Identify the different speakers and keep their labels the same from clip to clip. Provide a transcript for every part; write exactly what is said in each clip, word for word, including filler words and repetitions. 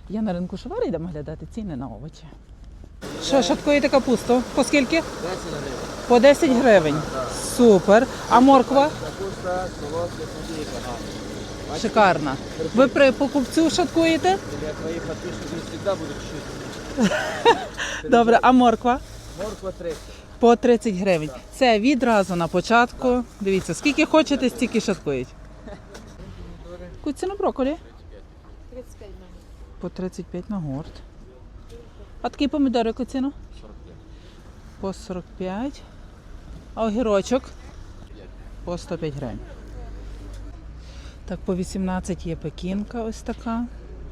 Speaker 1: Я на ринку Шовари йдемо глядати ціни на овочі. Що, шаткуєте капусту? По скільки?
Speaker 2: десять гривень.
Speaker 1: По десять гривень. Супер. А морква?
Speaker 2: Капуста, солодка, копійка.
Speaker 1: Шикарна. Ви при покупцю шаткуєте?
Speaker 2: Для твоїх підписників завжди будуть чути.
Speaker 1: Добре, а морква?
Speaker 2: Морква тридцять.
Speaker 1: По тридцять гривень. Це відразу на початку. Дивіться, скільки хочете, стільки шаткують. Яку ціну брокколі?
Speaker 3: тридцять п'ять гривень.
Speaker 1: По тридцять п'ять на гурт. А такі помідори яку ціну?
Speaker 2: сорок п'ять.
Speaker 1: По сорок п'ять. А огірочок? По сто п'ять гривень. Так, по вісімнадцять є пекінка ось така.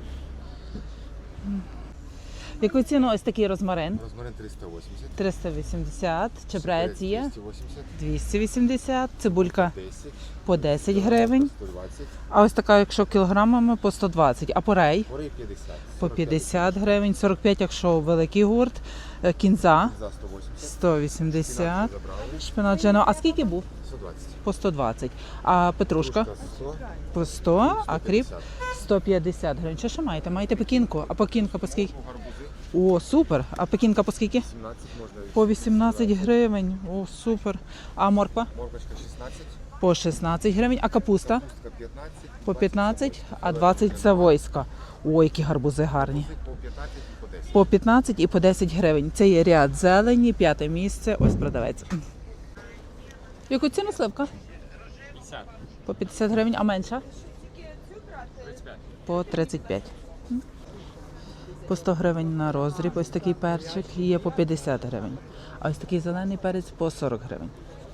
Speaker 1: Яку ціну ось такий розмарин?
Speaker 4: Розмарин триста вісімдесят.
Speaker 1: триста вісімдесят. Чебрець є?
Speaker 4: двісті вісімдесят.
Speaker 1: двісті вісімдесят. Цибулька
Speaker 4: десять.
Speaker 1: по десять гривень.
Speaker 4: сто двадцять.
Speaker 1: А ось така, якщо кілограмами, по сто двадцять. А порей?
Speaker 4: Порей п'ятдесят.
Speaker 1: По п'ятдесят гривень. сорок п'ять, якщо великий гурт. Е, Кінза
Speaker 4: За сто вісімдесят.
Speaker 1: сто вісімдесят.
Speaker 4: Забрали.
Speaker 1: Шпинат Джено. А скільки був?
Speaker 4: сто двадцять.
Speaker 1: По сто двадцять. А петрушка?
Speaker 4: сто.
Speaker 1: По сто. А кріп?
Speaker 4: сто
Speaker 1: сто п'ятдесят гривень. Що ще маєте? Маєте пекінку? А пекінка по скільки? О, супер. А пекінка по скільки?
Speaker 4: сімнадцять можна.
Speaker 1: По вісімнадцять гривень. О, супер. А морква?
Speaker 4: Моркочка шістнадцять.
Speaker 1: По шістнадцять гривень. А капуста?
Speaker 4: Капустка п'ятнадцять.
Speaker 1: По п'ятнадцять, а двадцять це войска. Ой, які гарбузи гарні.
Speaker 4: По п'ятнадцять і по десять.
Speaker 1: По п'ятнадцять і по десять гривень. Це є ряд зелені, п'яте місце. Ось продавець. Яку ціну сливка?
Speaker 2: п'ятдесят.
Speaker 1: По п'ятдесят гривень, а менша?
Speaker 2: тридцять п'ять.
Speaker 1: По тридцять п'ять. По сто гривень на роздріб. Ось такий перчик є по п'ятдесят гривень. А ось такий зелений перець по сорок гривень.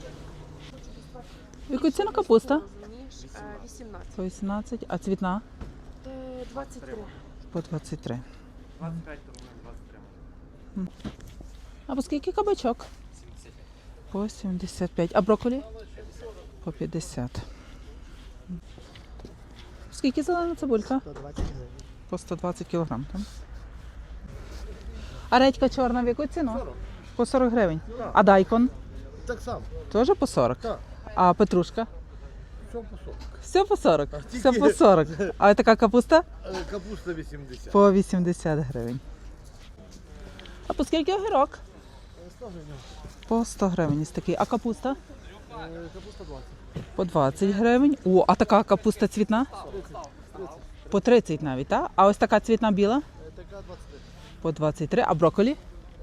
Speaker 1: Яку ціну капуста?
Speaker 3: вісімнадцять.
Speaker 1: По вісімнадцять, а цвітна?
Speaker 3: двадцять три.
Speaker 1: По двадцять три.
Speaker 2: двадцять п'ять, тому двадцять три.
Speaker 1: А по скільки кабачок?
Speaker 2: сімдесят п'ять.
Speaker 1: По сімдесят п'ять. А брокколі? По п'ятдесят. Скільки зелена цибулька?
Speaker 2: сто двадцять гривень.
Speaker 1: По сто двадцять кілограм. Там. А редька чорна в яку ціну? По сорок гривень. А дайкон?
Speaker 4: Так само.
Speaker 1: Теж по сорок?
Speaker 4: Так.
Speaker 1: А петрушка?
Speaker 4: Все по сорок.
Speaker 1: Все по сорок?
Speaker 4: тільки-
Speaker 1: Все по сорок. А така капуста?
Speaker 4: Капуста вісімдесят.
Speaker 1: По вісімдесят гривень. А по скільки огірок? По сто гривень ось такий. А капуста?
Speaker 4: Капуста двадцять.
Speaker 1: По двадцять гривень. О, а така капуста цвітна? По тридцять навіть, так? А ось така цвітна біла?
Speaker 4: Така двадцять три.
Speaker 1: По двадцять три. А брокколі?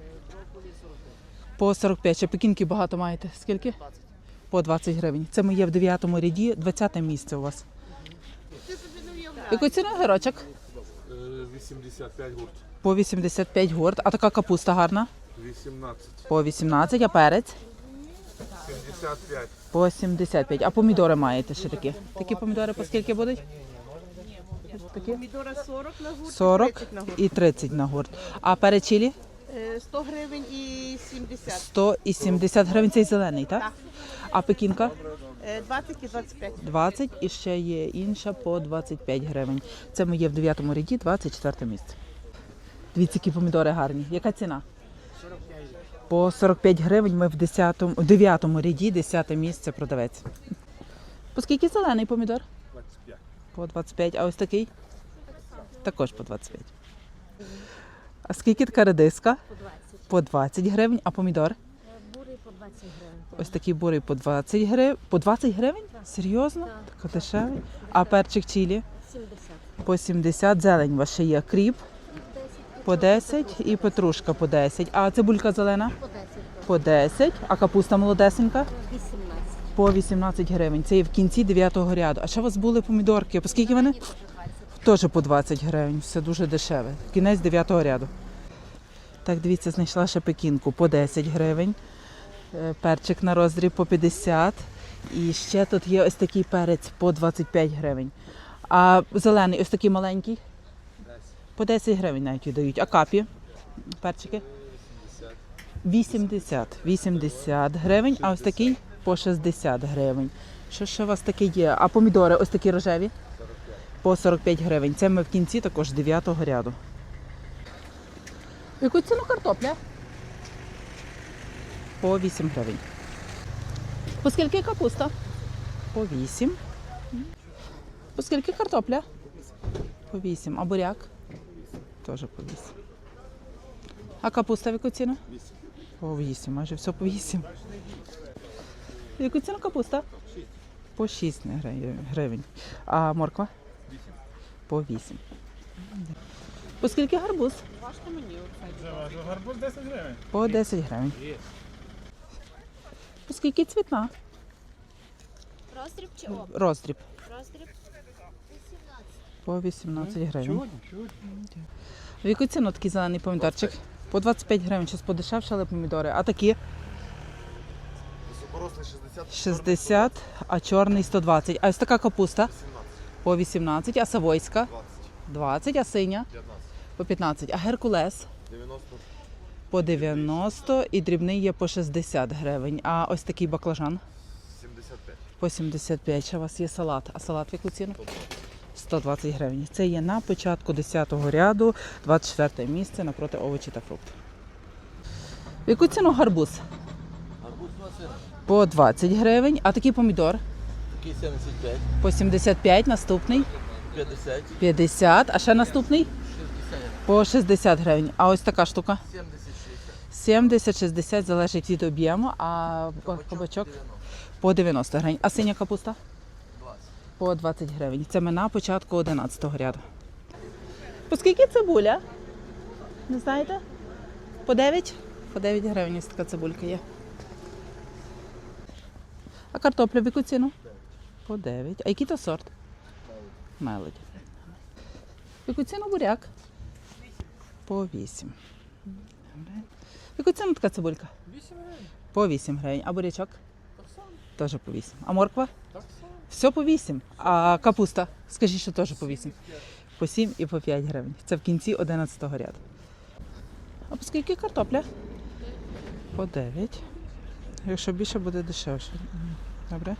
Speaker 1: По сорок п'ять. Ще пекінки багато маєте. Скільки? По двадцять гривень. Це ми є в дев'ятому ряді, двадцяте місце у вас. Яку ціну огірочок?
Speaker 4: вісімдесят п'ять гурт.
Speaker 1: По вісімдесят п'ять гурт. А така капуста гарна?
Speaker 4: вісімнадцять.
Speaker 1: По вісімнадцять. А перець?
Speaker 4: сімдесят п'ять.
Speaker 1: По сімдесят п'ять. А помідори маєте ще такі? Такі помідори по скільки будуть? Такі?
Speaker 3: Помідори сорок на гурт,
Speaker 1: сорок
Speaker 3: тридцять на гурт.
Speaker 1: і тридцять на гурт. А перець чилі?
Speaker 3: Е, сто гривень і сімдесят.
Speaker 1: сто і сімдесят гривень. Цей зелений, так?
Speaker 3: Так.
Speaker 1: А пекінка?
Speaker 3: Е, двадцять і двадцять п'ять.
Speaker 1: двадцять і ще є інша по двадцять п'ять гривень. Це ми є в дев'ятому ряді, двадцять четверте місце. Дивіться, які помідори гарні. Яка ціна? По сорок п'ять гривень ми в десятому, у дев'ятому ряді, десяте місце продавець. По скільки зелений помідор?
Speaker 4: двадцять п'ять.
Speaker 1: По двадцять п'ять. А ось такий? Також по двадцять п'ять. А скільки така редиска?
Speaker 5: По двадцять.
Speaker 1: По двадцять гривень. А помідор?
Speaker 5: Бурий по двадцять гривень.
Speaker 1: Ось такий бурий по двадцять гривень. По двадцять гривень? Серйозно? Так дешевий. А перчик чилі?
Speaker 5: сімдесят.
Speaker 1: По сімдесят. Зелень ваша є. Кріп? По десять і петрушка по десять. А цибулька зелена?
Speaker 5: По десять.
Speaker 1: По десять. А капуста молодесенька?
Speaker 5: вісімнадцять.
Speaker 1: По вісімнадцять гривень. Це є в кінці дев'ятого ряду. А ще у вас були помідорки. По скільки вони?
Speaker 5: Теж двадцять.
Speaker 1: Теж по двадцять гривень. Все дуже дешеве. Кінець дев'ятого ряду. Так, дивіться, знайшла ще пекінку по десять гривень. Е, Перчик на роздріб по п'ятдесят. І ще тут є ось такий перець по двадцять п'ять гривень. А зелений ось такий маленький? По десять гривень навіть віддають. А капі? Перчики? вісімдесят. вісімдесят гривень. А ось такий по шістдесят гривень. Що ще у вас таке є? А помідори ось такі рожеві? По сорок п'ять гривень. Це ми в кінці також дев'ятого ряду. Яку ціну картопля? По вісім гривень. По скільки капуста? По вісім. По скільки картопля? По вісім. А буряк? Теж по вісім. А капуста в яку ціну?
Speaker 4: вісім.
Speaker 1: По вісім, майже все по вісім. В яку ціну капуста? По шість гривень. А морква? По вісім. По скільки гарбуз?
Speaker 3: Важко мені оце.
Speaker 2: Гарбуз десять гривень.
Speaker 1: По десять гривень. По скільки цвітна?
Speaker 5: Роздріб чи об?
Speaker 1: Роздріб.
Speaker 5: Роздріб.
Speaker 1: По вісімнадцять гривень.
Speaker 2: Чудні, чудні.
Speaker 1: В яку ціну такий зелений помідорчик? По двадцять п'ять гривень, щось подешевшали помідори. А такі?
Speaker 4: Високорослий шістдесят.
Speaker 1: шістдесят, а чорний сто двадцять. А ось така капуста?
Speaker 4: сімнадцять.
Speaker 1: По вісімнадцять, а савойська?
Speaker 4: двадцять.
Speaker 1: двадцять, а синя?
Speaker 4: п'ятнадцять.
Speaker 1: По п'ятнадцять. А геркулес?
Speaker 4: дев'яносто.
Speaker 1: По дев'яносто і дрібний є по шістдесят гривень. А ось такий баклажан?
Speaker 4: сімдесят п'ять.
Speaker 1: По сімдесят п'ять. Ще у вас є салат. А салат в яку ціну? сто двадцять гривень. Це є на початку десятого ряду, двадцять четверте місце напроти овочі та фруктів. В яку ціну гарбуз?
Speaker 2: Гарбуз двадцять.
Speaker 1: По двадцять гривень. А такий помідор?
Speaker 2: Такий сімдесят п'ять.
Speaker 1: По сімдесят п'ять. Наступний?
Speaker 2: п'ятдесят.
Speaker 1: п'ятдесят. А ще наступний?
Speaker 2: шістдесят.
Speaker 1: По шістдесят гривень. А ось така штука?
Speaker 2: сімдесят шістдесят.
Speaker 1: сімдесят-шістдесят залежить від об'єму, а кабачок по дев'яносто гривень. А синя капуста?
Speaker 2: двадцять.
Speaker 1: По двадцять гривень. Це ми на початку одинадцятого ряду. По скільки цибуля? Не знаєте? По дев'ять? По дев'ять гривень ось така цибулька є. А картопля в яку ціну? По дев'ять. А який то сорт? Мелоді. В яку ціну буряк? По вісім. Добре. В яку ціну така цибулька?
Speaker 2: вісім гривень.
Speaker 1: По вісім гривень. А бурячок?
Speaker 2: Так само.
Speaker 1: Теж по вісім. А морква?
Speaker 2: Так само.
Speaker 1: Все по вісім. А капуста? Скажіть, що теж по вісім. По сім і по п'ять гривень. Це в кінці одинадцятого ряду. А по скільки картопля? По дев'ять. Якщо більше, буде дешевше. Добре.